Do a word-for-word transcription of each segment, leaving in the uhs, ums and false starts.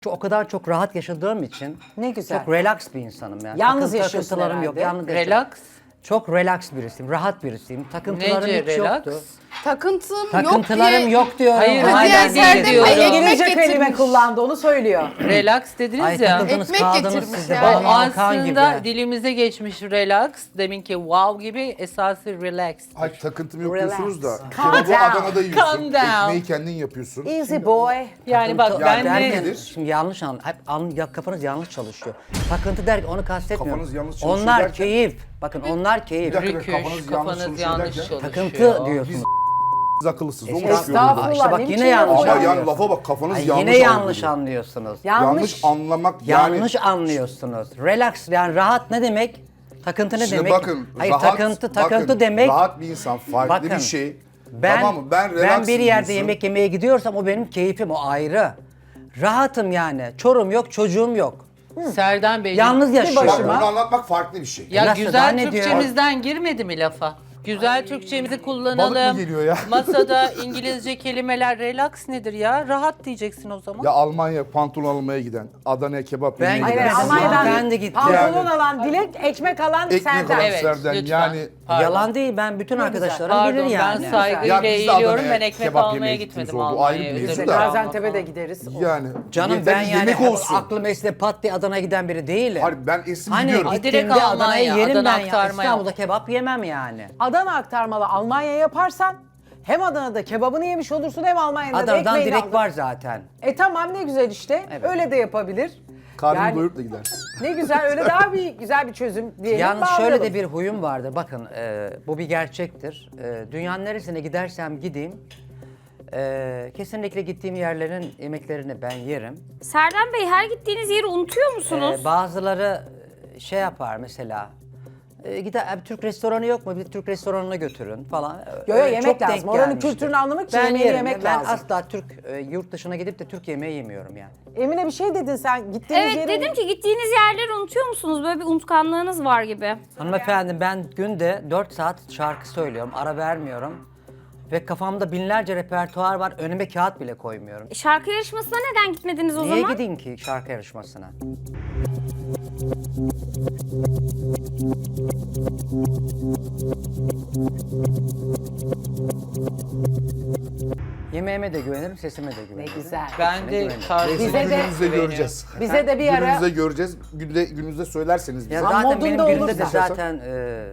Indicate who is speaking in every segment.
Speaker 1: O kadar çok rahat yaşadığım için
Speaker 2: Ne güzel.
Speaker 1: çok relax bir insanım yani.
Speaker 2: Yalnız
Speaker 1: Takıntı-
Speaker 2: yaşıyorsun
Speaker 1: takıntılarım yok.
Speaker 2: herhalde.
Speaker 1: Yalnız yaşıyorum.
Speaker 3: Relax.
Speaker 1: Çok relax birisiyim, rahat birisiyim. Takıntılarım
Speaker 3: Nece
Speaker 1: hiç
Speaker 3: relax?
Speaker 1: yoktu.
Speaker 4: Takıntım yok
Speaker 1: Takıntılarım
Speaker 4: diye.
Speaker 1: yok diyorum.
Speaker 3: Hayır,
Speaker 1: Hala
Speaker 3: hayır,
Speaker 1: değil
Speaker 3: Serdar
Speaker 1: diyorum.
Speaker 3: Bey,
Speaker 4: ekmek
Speaker 2: İngilizce kelime
Speaker 4: getirmiş.
Speaker 2: kullandı onu söylüyor.
Speaker 3: Relax dediniz
Speaker 1: Ay
Speaker 3: ya.
Speaker 1: takıldınız
Speaker 4: Ekmek
Speaker 1: kaldınız
Speaker 4: getirmiş
Speaker 1: siz de
Speaker 4: ya.
Speaker 3: O
Speaker 1: Banu Alkan
Speaker 3: aslında
Speaker 1: gibi.
Speaker 3: dilimize geçmiş relax. Deminki wow gibi esası relax.
Speaker 5: Ay takıntım yok
Speaker 2: Relax.
Speaker 5: diyorsunuz da.
Speaker 2: Calm
Speaker 5: Kebabı
Speaker 2: down.
Speaker 5: Adana'da yiyorsun.
Speaker 3: Calm down.
Speaker 5: Ekmeği kendin yapıyorsun.
Speaker 2: Easy boy.
Speaker 3: Yani bak
Speaker 1: Takıntı-
Speaker 3: ben
Speaker 5: Yani
Speaker 3: de
Speaker 5: nedir?
Speaker 1: Şimdi yanlış an, hep an, ya kafanız yanlış çalışıyor. Takıntı derken onu kastetmiyorum.
Speaker 5: Kafanız yanlış çalışıyor
Speaker 1: Onlar
Speaker 5: derken-
Speaker 1: keyif. Bakın onlar keyif.
Speaker 5: Bir dakika,
Speaker 3: rüküş,
Speaker 5: kafanız
Speaker 3: kafanız,
Speaker 5: yanlış
Speaker 3: yanlış,
Speaker 5: çalışıyor derken-
Speaker 3: çalışıyor.
Speaker 1: Takıntı diyorsunuz.
Speaker 5: Biz akıllısız. O mu
Speaker 1: Estağfurullah.
Speaker 5: çıkıyor
Speaker 2: Estağfurullah.
Speaker 5: burada?
Speaker 1: İşte bak
Speaker 2: ne
Speaker 1: yine
Speaker 2: biçim
Speaker 1: yanlış
Speaker 5: Ama
Speaker 2: laf o?
Speaker 5: yani lafa bak kafanız
Speaker 1: Ay,
Speaker 5: yanlış
Speaker 1: yine yanlış
Speaker 5: algılıyor.
Speaker 1: anlıyorsunuz.
Speaker 2: Yanlış.
Speaker 5: Yanlış anlamak yani.
Speaker 1: Yanlış anlıyorsunuz. Relax yani rahat ne demek? Takıntı ne
Speaker 5: Şimdi
Speaker 1: demek?
Speaker 5: bakın
Speaker 1: Hayır
Speaker 5: rahat,
Speaker 1: takıntı takıntı
Speaker 5: bakın,
Speaker 1: demek.
Speaker 5: rahat bir insan farklı
Speaker 1: Bakın,
Speaker 5: bir şey.
Speaker 1: Ben
Speaker 5: tamam mı? Ben,
Speaker 1: ben
Speaker 5: relaxım
Speaker 1: bir yerde
Speaker 5: diyorsun.
Speaker 1: yemek yemeye gidiyorsam o benim keyfim, o ayrı. Rahatım yani. Çorum yok, çocuğum yok.
Speaker 3: Serdan Bey.
Speaker 1: Yalnız yaşıyorum.
Speaker 5: Bak bunu anlatmak farklı bir şey.
Speaker 3: Ya
Speaker 1: Nasıl, daha
Speaker 3: güzel
Speaker 1: ne diyor?
Speaker 3: Türkçemizden girmedi mi lafa? Güzel Türkçemizi
Speaker 5: Balık
Speaker 3: kullanalım.
Speaker 5: mı geliyor ya?
Speaker 3: Masada İngilizce kelimeler relax nedir ya? Rahat diyeceksin o zaman.
Speaker 5: Ya Almanya pantolon almaya giden, Adana'ya kebap
Speaker 1: Ben
Speaker 5: yemeye
Speaker 2: Hayır,
Speaker 5: giden.
Speaker 1: gitmedim.
Speaker 2: Almanya'dan
Speaker 1: Ben de gittim.
Speaker 2: pantolon
Speaker 5: Yani-
Speaker 2: alan Dilek, ekmek alan
Speaker 5: Ekmek
Speaker 2: Serdar.
Speaker 5: alan
Speaker 3: Evet,
Speaker 5: Serdar.
Speaker 3: lütfen.
Speaker 5: Yani
Speaker 3: Pardon.
Speaker 1: Yalan değil, ben bütün
Speaker 2: Ne
Speaker 1: arkadaşlarım
Speaker 3: Pardon
Speaker 1: bilir yani.
Speaker 3: ben
Speaker 5: Ya
Speaker 3: saygıyla
Speaker 5: biz de
Speaker 3: eğiliyorum.
Speaker 5: Adana'ya
Speaker 3: Ben ekmek
Speaker 5: kebap
Speaker 3: almaya
Speaker 5: yemeye
Speaker 3: gitmedim
Speaker 5: gittiğimiz oldu. Ayrı bir
Speaker 3: Almanya'ya.
Speaker 5: mevzu
Speaker 3: özür
Speaker 5: da.
Speaker 3: dilerim.
Speaker 2: Gaziantep'e de gideriz.
Speaker 5: yani.
Speaker 1: Canım
Speaker 5: yeter
Speaker 1: ben
Speaker 5: ki
Speaker 1: yani
Speaker 5: yemek olsun.
Speaker 1: aklım esne pat diye Adana'ya giden biri değilim.
Speaker 5: Hayır ben esim
Speaker 1: Hani
Speaker 5: gidiyorum.
Speaker 3: Direkt
Speaker 1: gittiğimde
Speaker 3: Almanya,
Speaker 1: Adana'ya yerim
Speaker 3: Adana
Speaker 1: ben ya.
Speaker 3: aktarma yok.
Speaker 1: İstanbul'da kebap yemem yani.
Speaker 2: Adana aktarmalı Almanya yaparsan hem Adana'da kebabını yemiş olursun hem Almanya'da da
Speaker 1: Adana'dan
Speaker 2: ekmeğini
Speaker 1: direkt
Speaker 2: aldın.
Speaker 1: var zaten.
Speaker 2: E tamam ne güzel işte.
Speaker 1: Evet.
Speaker 2: Öyle de yapabilir.
Speaker 5: Karnını
Speaker 2: Yani-
Speaker 5: doyurup da gidersin.
Speaker 2: Ne güzel öyle daha bir güzel bir çözüm diyelim.
Speaker 1: Yalnız şöyle
Speaker 2: bağlayalım.
Speaker 1: de bir huyum vardı. Bakın e, bu bir gerçektir. E, dünyanın neresine gidersem gideyim e, kesinlikle gittiğim yerlerin yemeklerini ben yerim.
Speaker 6: Serdan Bey her gittiğiniz yeri unutuyor musunuz?
Speaker 1: E, bazıları şey yapar mesela. E, gider, "Abi, Türk restoranı yok mu? Bir Türk restoranına götürün falan.
Speaker 2: Yo, yo,
Speaker 1: Öyle
Speaker 2: yemek
Speaker 1: çok
Speaker 2: lazım.
Speaker 1: denk
Speaker 2: Oranın
Speaker 1: gelmişti.
Speaker 2: kültürünü anlamak için
Speaker 1: Ben
Speaker 2: yemeği
Speaker 1: yerim.
Speaker 2: yemek
Speaker 1: ben
Speaker 2: lazım.
Speaker 1: asla Türk e, yurt dışına gidip de Türk yemeği yemiyorum yani.
Speaker 2: Emine bir şey dedin sen. Gittiğiniz
Speaker 6: Evet
Speaker 2: yeri...
Speaker 6: dedim ki gittiğiniz yerleri unutuyor musunuz? Böyle bir unutkanlığınız var gibi.
Speaker 1: Hanımefendi ben günde dört saat şarkı söylüyorum, ara vermiyorum. Ve kafamda binlerce repertuar var, önüme kağıt bile koymuyorum.
Speaker 6: Şarkı yarışmasına neden gitmediniz o
Speaker 1: Niye
Speaker 6: zaman?
Speaker 1: gideyim ki şarkı yarışmasına? Yemeğime de güvenirim, sesime de güvenirim.
Speaker 2: Ne güzel.
Speaker 3: Ben de tarzı
Speaker 2: Bize de-
Speaker 5: Gününüzde göreceğiz.
Speaker 2: Bize de bir ara...
Speaker 5: Gününüzde göreceğiz. Günde, gününüzde söylerseniz bize.
Speaker 1: Ya
Speaker 2: Ama
Speaker 1: zaten
Speaker 2: modunda
Speaker 1: benim günümde de
Speaker 2: olursa.
Speaker 1: zaten e,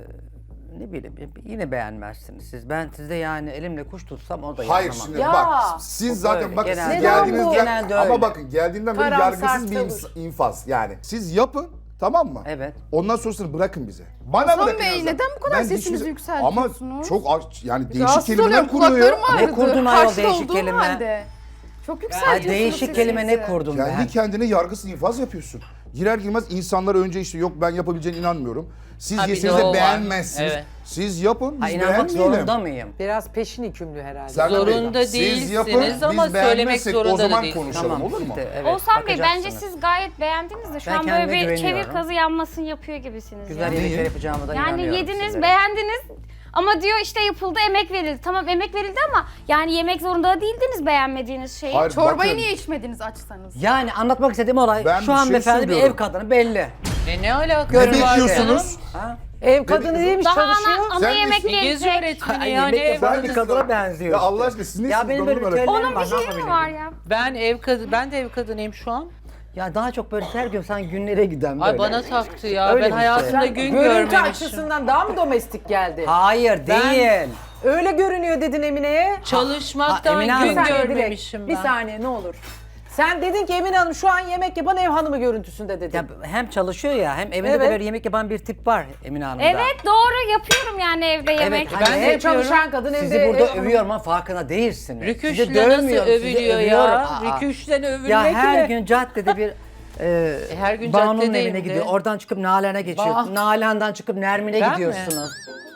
Speaker 1: ne bileyim yine beğenmezsiniz siz. Ben sizde yani elimle kuş tutsam o da
Speaker 5: Hayır
Speaker 1: yanamam.
Speaker 5: şimdi
Speaker 2: Ya.
Speaker 5: bak siz
Speaker 1: Bu
Speaker 5: zaten
Speaker 1: böyle,
Speaker 5: bakın
Speaker 1: genelde
Speaker 5: siz
Speaker 2: öyle.
Speaker 5: geldiğinizden
Speaker 1: Genelde öyle.
Speaker 5: ama bakın geldiğinden beri
Speaker 2: Karamsar
Speaker 5: yargısız bir
Speaker 2: tavır.
Speaker 5: ins- infaz yani. Siz yapın tamam mı?
Speaker 1: Evet.
Speaker 5: Ondan sonrasını bırakın bize. Bana
Speaker 4: Hasan
Speaker 5: bırakın.
Speaker 4: Bey,
Speaker 5: en azından.
Speaker 4: neden bu kadar
Speaker 5: Ben
Speaker 4: sesinizi
Speaker 5: hiçbir-
Speaker 4: yükseltiyorsunuz?
Speaker 5: Ama çok aç- yani değişik
Speaker 4: Rahatsız
Speaker 5: kelimeler
Speaker 4: oluyorum,
Speaker 5: kuruyor.
Speaker 4: kulaklarım ağrıdı.
Speaker 1: Ne kurdun ayol
Speaker 4: Karşıda
Speaker 1: değişik
Speaker 4: olduğum
Speaker 1: kelime?
Speaker 4: halde. Çok
Speaker 1: Ha,
Speaker 4: yükseltiyorsunuz
Speaker 1: değişik kelime ne
Speaker 4: sesinizi.
Speaker 1: kurdum
Speaker 5: Kendi
Speaker 1: ben?
Speaker 5: kendine yargısız infaz yapıyorsun. Girer girmez insanlara önce işte yok ben yapabileceğine inanmıyorum. Siz
Speaker 3: Ha, bir de
Speaker 5: yeseniz
Speaker 3: o
Speaker 5: de
Speaker 3: var.
Speaker 5: beğenmezsiniz.
Speaker 3: Evet.
Speaker 5: Siz yapın biz
Speaker 1: Ha, inanmak
Speaker 5: beğenmeyelim.
Speaker 1: zorunda mıyım?
Speaker 2: Biraz peşin hükümlü herhalde.
Speaker 5: Serdar Bey,
Speaker 3: Zorunda
Speaker 5: siz
Speaker 3: değilsiniz
Speaker 5: yapın,
Speaker 3: ama
Speaker 5: biz
Speaker 3: söylemek
Speaker 5: beğenmezsek
Speaker 3: zorunda
Speaker 5: o
Speaker 3: da
Speaker 5: zaman
Speaker 3: değilsiniz.
Speaker 5: konuşalım olur mu?
Speaker 1: işte, evet,
Speaker 6: Oğuzhan Bey bence
Speaker 1: bakacaksınız.
Speaker 6: siz gayet beğendiniz de şu
Speaker 1: Ben
Speaker 6: an böyle
Speaker 1: kendime
Speaker 6: bir
Speaker 1: güveniyorum.
Speaker 6: çevir kazı yanmasını yapıyor gibisiniz.
Speaker 1: Güzel
Speaker 6: ya.
Speaker 1: yemekler yapacağıma da
Speaker 6: Yani
Speaker 1: inanıyorum
Speaker 6: yediniz,
Speaker 1: sizlere.
Speaker 6: beğendiniz ama diyor işte yapıldı, emek verildi. Tamam emek verildi ama yani yemek zorunda da değildiniz beğenmediğiniz şeyi.
Speaker 5: Hayır,
Speaker 4: Çorbayı
Speaker 5: bakın,
Speaker 4: niye içmediniz açsanız?
Speaker 1: Yani anlatmak istediğim olay
Speaker 5: Ben bir
Speaker 1: şu
Speaker 5: şey
Speaker 1: hanımefendi bir
Speaker 5: söylüyorum.
Speaker 1: ev kadını belli.
Speaker 3: E ne alakası
Speaker 5: Ne
Speaker 3: var
Speaker 5: bekliyorsunuz?
Speaker 3: canım?
Speaker 2: Ev kadını değilmiş
Speaker 6: Daha
Speaker 2: çalışıyor.
Speaker 6: ana, ana
Speaker 5: Sen
Speaker 6: yemek
Speaker 5: de-
Speaker 3: İngilizce
Speaker 6: verecek.
Speaker 3: öğretmeni
Speaker 1: Ay,
Speaker 3: yani.
Speaker 1: yemek yapan
Speaker 3: ev-
Speaker 1: bir kadına benziyor.
Speaker 5: Ya
Speaker 1: işte.
Speaker 5: Allah aşkına siz ne
Speaker 1: Ya benim böyle bir ritüelim
Speaker 6: Onun
Speaker 1: var,
Speaker 6: bir
Speaker 1: ne
Speaker 6: şeyi mi
Speaker 1: yapabilirim?
Speaker 6: var ya?
Speaker 3: Ben ev kadın, ben de ev kadınıyım şu an.
Speaker 1: Ya daha çok böyle her gün sen günlere giden böyle.
Speaker 3: Ay bana taktı ya.
Speaker 1: Öyle
Speaker 3: ben
Speaker 1: bir
Speaker 3: hayatımda
Speaker 1: şey.
Speaker 3: gün
Speaker 2: Görüntü
Speaker 3: görmemişim.
Speaker 2: açısından daha mı domestik geldi?
Speaker 1: Hayır
Speaker 2: Ben-
Speaker 1: değil.
Speaker 2: Öyle görünüyor dedin Emine'ye.
Speaker 3: Çalışmaktan
Speaker 1: Ha, Emine
Speaker 3: gün
Speaker 1: Hanım.
Speaker 2: Bir saniye
Speaker 3: görmemişim
Speaker 2: Dilek,
Speaker 3: ben.
Speaker 2: Bir saniye ne olur. Sen dedin ki Emine Hanım şu an yemek yapan ev hanımı görüntüsünde dedin.
Speaker 1: Ya hem çalışıyor ya hem evinde
Speaker 2: Evet.
Speaker 1: de böyle yemek yapan bir tip var Emine Hanım'da.
Speaker 6: Evet doğru yapıyorum yani evde yemek.
Speaker 1: hani
Speaker 3: Ben de
Speaker 2: Ev
Speaker 3: yapıyorum.
Speaker 2: çalışan kadın evde
Speaker 1: Sizi
Speaker 2: ev
Speaker 1: burada
Speaker 2: hanımı.
Speaker 1: övüyorum ama farkına değilsiniz. Sizi
Speaker 3: Rüküşle nasıl
Speaker 1: dövmüyorum, sizi
Speaker 3: övülüyor
Speaker 1: övüyorum.
Speaker 3: ya?
Speaker 1: Aa.
Speaker 3: Rüküşten övülmek
Speaker 1: Ya her
Speaker 3: mi?
Speaker 1: gün caddede bir e,
Speaker 3: her gün
Speaker 1: Banu'nun
Speaker 3: caddedeyim
Speaker 1: evine
Speaker 3: de.
Speaker 1: gidiyor. Oradan çıkıp Nalan'a geçiyor.
Speaker 3: Bah.
Speaker 1: Nalan'dan çıkıp Nermin'e
Speaker 3: Ben mi?
Speaker 1: gidiyorsunuz.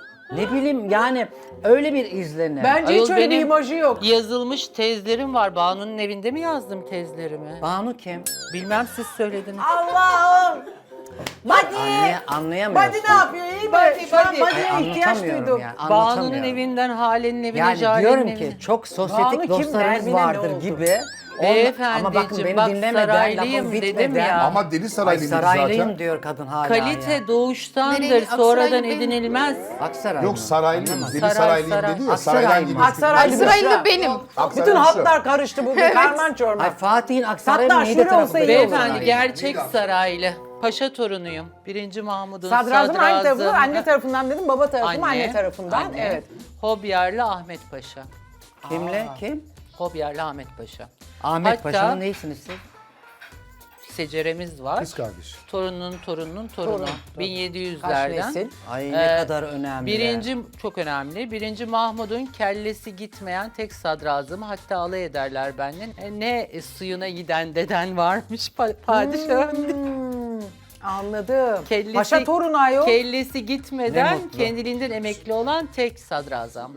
Speaker 1: Ne bileyim yani öyle bir izlenim.
Speaker 2: Bence
Speaker 3: Ayol,
Speaker 2: hiç öyle bir
Speaker 3: benim
Speaker 2: imajı yok.
Speaker 3: Yazılmış tezlerim var. Banu'nun evinde mi yazdım tezlerimi?
Speaker 1: Banu kim?
Speaker 3: Bilmem siz söylediniz.
Speaker 2: Allah'ım. Body.
Speaker 1: Anlay anlayamıyorsun.
Speaker 2: Body ne yapıyor iyi mi?
Speaker 3: Body,
Speaker 2: Şu an
Speaker 3: body.
Speaker 2: body'ye
Speaker 1: Ay,
Speaker 2: ihtiyaç
Speaker 1: anlatamıyorum
Speaker 2: duydum.
Speaker 1: ya,
Speaker 3: Banu'nun
Speaker 1: anlatamıyorum.
Speaker 3: evinden Hale'nin evine,
Speaker 1: Yani
Speaker 3: Jale'nin
Speaker 1: diyorum
Speaker 3: evine.
Speaker 1: ki çok
Speaker 2: Banu
Speaker 1: sosyetik
Speaker 2: kim,
Speaker 1: dostlarımız
Speaker 2: Nermin'e ne
Speaker 1: vardır
Speaker 2: oldu?
Speaker 1: gibi. Onunla-
Speaker 3: Beyefendiciğim,
Speaker 1: ama bakın beni
Speaker 3: bak
Speaker 1: dinlemeden,
Speaker 3: saraylıyım
Speaker 1: lafım
Speaker 3: dedim
Speaker 1: bitmeden-
Speaker 3: ya.
Speaker 5: Ama deli
Speaker 1: Ay,
Speaker 5: Saraylıyım dedi
Speaker 1: saraylıyım
Speaker 5: zaten.
Speaker 1: diyor kadın hala
Speaker 3: Kalite
Speaker 1: ya.
Speaker 3: doğuştandır,
Speaker 4: Nereli?
Speaker 3: sonradan
Speaker 4: Aksaraylı benim.
Speaker 3: edinilmez.
Speaker 1: Aksaray
Speaker 5: Yok
Speaker 1: mı?
Speaker 5: Saraylıyım,
Speaker 1: Anlamadım.
Speaker 5: deli
Speaker 3: Saray,
Speaker 5: Saraylıyım
Speaker 3: saray.
Speaker 5: dedi ya.
Speaker 1: Aksaray
Speaker 5: Saraydan
Speaker 1: mı?
Speaker 5: geliyorsun.
Speaker 2: Aksaraylı
Speaker 4: Aksaraylı
Speaker 2: Büşra.
Speaker 4: benim.
Speaker 5: Aksaray
Speaker 2: Bütün
Speaker 5: Büşra.
Speaker 2: hatlar karıştı bugün. Karman çorman.
Speaker 1: Ay Fatih'in Aksaray
Speaker 2: Hatta
Speaker 1: mı? Niğde
Speaker 2: şöyle
Speaker 1: tarafı
Speaker 2: olsa
Speaker 1: da
Speaker 2: iyi
Speaker 1: değil.
Speaker 2: olur.
Speaker 3: Beyefendi
Speaker 5: Saray.
Speaker 3: gerçek
Speaker 5: Neydi
Speaker 3: saraylı. Paşa torunuyum. Birinci Mahmud'un
Speaker 2: Sadrazam hangi tarafından?
Speaker 3: sadrazamı.
Speaker 2: Anne tarafından dedim, baba tarafından, anne,
Speaker 3: Anne,
Speaker 2: tarafından.
Speaker 3: anne.
Speaker 2: Evet.
Speaker 3: Hobyarlı Ahmet Paşa.
Speaker 1: Kimle? Kim?
Speaker 3: Hobyarlı Ahmet Paşa.
Speaker 1: Ahmet
Speaker 3: Hatta-
Speaker 1: Paşa'nın neyisiniz siz?
Speaker 3: Seceremiz var.
Speaker 5: Kız kardeş.
Speaker 3: Torunun torununun torunu.
Speaker 2: Torun.
Speaker 3: bin yedi
Speaker 2: Kaç
Speaker 3: yüzlerden.
Speaker 2: nesil?
Speaker 1: Ay ne
Speaker 3: Ee,
Speaker 1: kadar önemli.
Speaker 3: Birinci çok önemli. Birinci Mahmud'un kellesi gitmeyen tek sadrazamı, hatta alay ederler benden. E, ne suyuna giden deden varmış pa- padişahın.
Speaker 2: Hmm, anladım.
Speaker 3: Kellesi-
Speaker 2: Paşa torunu ayol.
Speaker 3: Kellesi
Speaker 1: Ne
Speaker 3: gitmeden
Speaker 1: mutlu.
Speaker 3: kendiliğinden emekli olan tek sadrazam.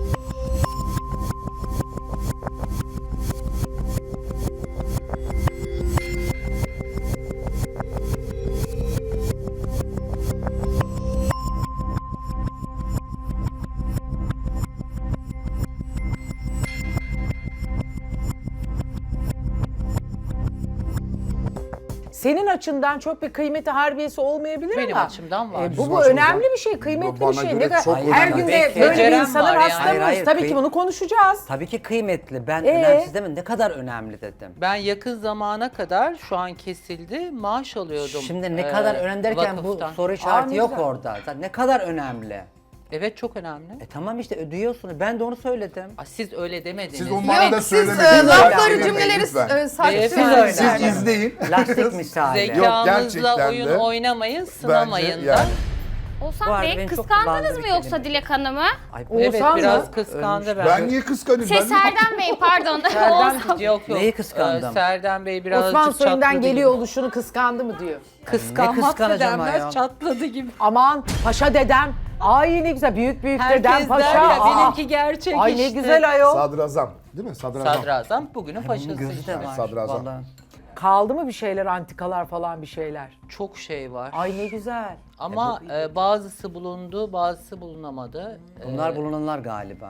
Speaker 2: Senin açından çok bir kıymeti harbiyesi olmayabilir
Speaker 3: Benim
Speaker 2: ama.
Speaker 3: açımdan var.
Speaker 2: e, bu
Speaker 5: Bizim
Speaker 2: bu
Speaker 5: açımızdan.
Speaker 2: önemli bir şey, kıymetli
Speaker 5: Bana
Speaker 2: bir şey.
Speaker 5: göre
Speaker 2: Ne kadar-
Speaker 5: çok
Speaker 2: her
Speaker 1: önemli.
Speaker 2: günde
Speaker 1: Belki
Speaker 2: böyle bir
Speaker 3: becerem
Speaker 2: insanın
Speaker 3: var yani.
Speaker 2: hasta
Speaker 1: Hayır, hayır,
Speaker 2: mıyız? Tabii
Speaker 1: kıy-
Speaker 2: ki bunu konuşacağız.
Speaker 1: Tabii ki kıymetli. Ben
Speaker 2: Ee?
Speaker 1: önemsiz demedim. Ne kadar önemli dedim.
Speaker 3: Ben yakın zamana kadar, şu an kesildi, maaş alıyordum.
Speaker 1: Şimdi ne
Speaker 3: e,
Speaker 1: kadar önemli derken bu
Speaker 3: vakıftan.
Speaker 1: soru
Speaker 2: Aa,
Speaker 1: işareti
Speaker 2: ne
Speaker 1: yok
Speaker 2: güzel.
Speaker 1: orada. Zaten ne kadar önemli.
Speaker 3: Evet, çok önemli.
Speaker 1: E tamam işte ödüyorsunuz. Ben de onu söyledim.
Speaker 3: Aa, siz öyle demediniz.
Speaker 5: Siz onu bana da
Speaker 4: Yok siz
Speaker 5: söylemediniz.
Speaker 4: e, lafları
Speaker 5: Söylemeyin
Speaker 4: cümleleri
Speaker 5: lütfen.
Speaker 4: e, sarf
Speaker 3: Beyefendi,
Speaker 1: Siz öyle.
Speaker 5: Siz izleyin.
Speaker 1: Lastik misali.
Speaker 5: Yok,
Speaker 3: Zekanızla
Speaker 5: gerçekten
Speaker 3: oyun
Speaker 5: de.
Speaker 3: oynamayın, sınamayın da.
Speaker 5: yani.
Speaker 1: Bu
Speaker 6: Oğuzhan
Speaker 1: arada
Speaker 6: Bey
Speaker 1: beni çok
Speaker 6: kıskandınız
Speaker 1: kullandı
Speaker 6: mı
Speaker 1: bir
Speaker 6: yoksa
Speaker 1: kelime.
Speaker 6: Dilek Hanım'ı?
Speaker 1: Ay,
Speaker 3: Evet,
Speaker 2: Oğuzhan mı?
Speaker 3: biraz kıskandı ben.
Speaker 5: Ben niye kıskanayım?
Speaker 6: Şey
Speaker 5: Ben
Speaker 6: Serdar Bey pardon. Oğuzhan.
Speaker 3: Yok yok.
Speaker 1: Neyi kıskandım?
Speaker 3: Ee, Serdar Bey birazcık
Speaker 2: Osman soyundan
Speaker 3: çatladı
Speaker 2: geliyor
Speaker 3: gibi.
Speaker 2: oluşunu kıskandı mı diyor.
Speaker 3: Kıskanmak
Speaker 1: Ne
Speaker 3: da
Speaker 1: kıskanacağım
Speaker 3: denmez,
Speaker 1: ayol?
Speaker 3: çatladı gibi.
Speaker 2: Aman paşa dedem. Ay ne güzel, büyük büyük dedem
Speaker 3: Herkes
Speaker 2: paşa.
Speaker 3: der ya,
Speaker 2: Aa.
Speaker 3: benimki gerçek
Speaker 2: Ay
Speaker 3: işte.
Speaker 2: ne güzel ayol.
Speaker 5: Sadrazam. Değil mi? Sadrazam.
Speaker 3: Sadrazam bugünün
Speaker 1: Bunun
Speaker 3: paşası
Speaker 1: gözü
Speaker 3: işte.
Speaker 1: de var.
Speaker 5: Sadrazam.
Speaker 1: Vallahi.
Speaker 2: Kaldı mı bir şeyler, antikalar falan bir şeyler?
Speaker 3: Çok şey var.
Speaker 2: Ay ne güzel.
Speaker 3: Ama e, bazısı bulundu, bazısı bulunamadı.
Speaker 1: Bunlar
Speaker 3: Ee,
Speaker 1: bulunanlar galiba.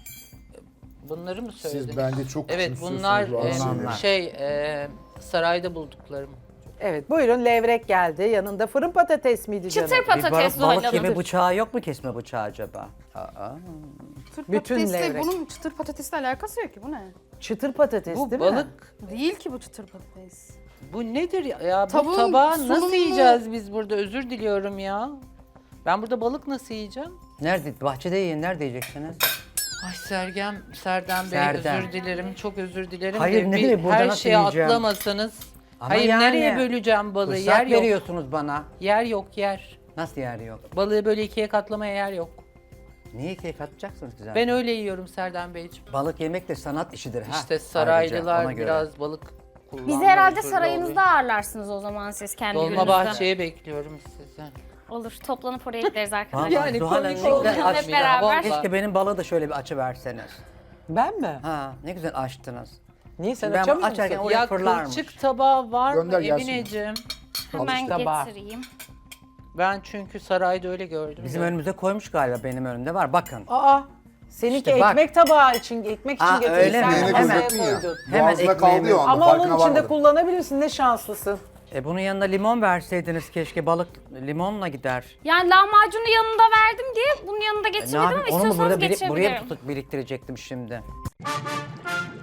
Speaker 3: Bunları mı söylediniz?
Speaker 5: Siz bence çok
Speaker 3: Evet,
Speaker 5: küçümsüyorsunuz
Speaker 3: bunlar
Speaker 5: bu
Speaker 3: e,
Speaker 5: anlamda.
Speaker 3: şey e, sarayda bulduklarım.
Speaker 2: Evet buyurun, levrek geldi. Yanında fırın patates miydi canım?
Speaker 6: Çıtır
Speaker 1: Bir
Speaker 6: patates
Speaker 1: balık,
Speaker 6: Zuhal
Speaker 1: balık
Speaker 6: Hanım.
Speaker 1: gibi bıçağı yok mu, kesme bıçağı acaba? Aa.
Speaker 4: Çıtır
Speaker 2: Bütün
Speaker 4: patatesle
Speaker 2: levrek.
Speaker 4: bunun çıtır patatesle alakası yok ki, bu ne?
Speaker 2: Çıtır patates
Speaker 3: Bu
Speaker 2: değil mi?
Speaker 3: balık,
Speaker 4: Değil ki bu çıtır patates.
Speaker 3: bu nedir ya? ya bu
Speaker 4: Tavuğun
Speaker 3: tabağı nasıl
Speaker 4: sunumunu-
Speaker 3: yiyeceğiz biz burada? Özür diliyorum ya. Ben burada balık nasıl yiyeceğim?
Speaker 1: Nerede? Bahçede yiyin. Nerede yiyeceksiniz?
Speaker 3: Ay Sergem, Serdem Bey
Speaker 1: Serdem.
Speaker 3: özür dilerim, çok özür dilerim.
Speaker 1: Hayır,
Speaker 3: de
Speaker 1: ne
Speaker 3: bir
Speaker 1: demek, burada
Speaker 3: her
Speaker 1: nasıl
Speaker 3: şeye
Speaker 1: yiyeceğim?
Speaker 3: atlamasanız.
Speaker 1: Ama
Speaker 3: Hayır,
Speaker 1: yani,
Speaker 3: nereye böleceğim balığı?
Speaker 1: Fırsat
Speaker 3: Yer yok.
Speaker 1: veriyorsunuz bana.
Speaker 3: Yer yok, yer.
Speaker 1: Nasıl yer yok?
Speaker 3: Balığı böyle ikiye katlamaya yer yok.
Speaker 1: Niye keyif atacaksınız güzel?
Speaker 3: Ben öyle yiyorum Serdem Beyciğim.
Speaker 1: Balık yemek de sanat işidir. ha.
Speaker 3: İşte
Speaker 1: Ayrıca,
Speaker 3: saraylılar
Speaker 1: ona göre.
Speaker 3: biraz balık kullanmak
Speaker 6: Bizi herhalde
Speaker 3: zorunda
Speaker 6: sarayınızda
Speaker 3: oluyor.
Speaker 6: ağırlarsınız o zaman siz kendi
Speaker 3: Dolma
Speaker 6: gününüzde.
Speaker 3: bahçeye bekliyorum sizi.
Speaker 6: Olur, toplanıp oraya gideriz arkadaşlar.
Speaker 1: Vallahi
Speaker 3: Yani
Speaker 1: Zuhal
Speaker 3: komik
Speaker 1: Hanım, ne
Speaker 3: oldu.
Speaker 1: güzel
Speaker 6: Hep
Speaker 1: aç-
Speaker 6: beraber.
Speaker 3: Vallahi.
Speaker 1: Keşke benim balığı da şöyle bir açı verseniz.
Speaker 2: Ben mi?
Speaker 1: Ha, ne güzel açtınız.
Speaker 2: Niye sen
Speaker 1: Ben
Speaker 2: açamıyor
Speaker 1: açarken
Speaker 2: musun?
Speaker 1: oraya
Speaker 3: Ya
Speaker 1: fırlarmış.
Speaker 3: kılçık tabağı var
Speaker 5: Gönder
Speaker 3: mı
Speaker 5: gelsin.
Speaker 3: Emineciğim?
Speaker 6: Hemen
Speaker 2: tabağı.
Speaker 6: getireyim.
Speaker 3: Ben çünkü sarayda öyle gördüm.
Speaker 1: Bizim
Speaker 3: de.
Speaker 1: önümüze koymuş galiba, benim önümde var. Bakın.
Speaker 2: Aa, seninki
Speaker 1: İşte bak.
Speaker 2: ekmek tabağı için, ekmek için
Speaker 1: Aa,
Speaker 2: getirdin.
Speaker 1: öyle
Speaker 2: Sen
Speaker 1: mi?
Speaker 5: Ekmeğine
Speaker 2: masaya
Speaker 5: gözettin ya.
Speaker 2: koydun.
Speaker 1: Hemen
Speaker 5: Boğazına kaldı
Speaker 1: ekmeğimi-
Speaker 5: ya o anda,
Speaker 2: Ama
Speaker 5: farkına
Speaker 2: onun içinde
Speaker 5: varmadım.
Speaker 2: kullanabilirsin, ne şanslısın.
Speaker 1: E bunun yanına limon verseydiniz keşke, balık limonla gider.
Speaker 6: Yani lahmacunu yanında verdim diye bunun yanında
Speaker 1: E, ne
Speaker 6: getirmedim ama
Speaker 1: yapayım? Onu mu
Speaker 6: istiyorsanız
Speaker 1: burada biri- buraya
Speaker 6: geçebilirim.
Speaker 1: mı tutup biriktirecektim şimdi?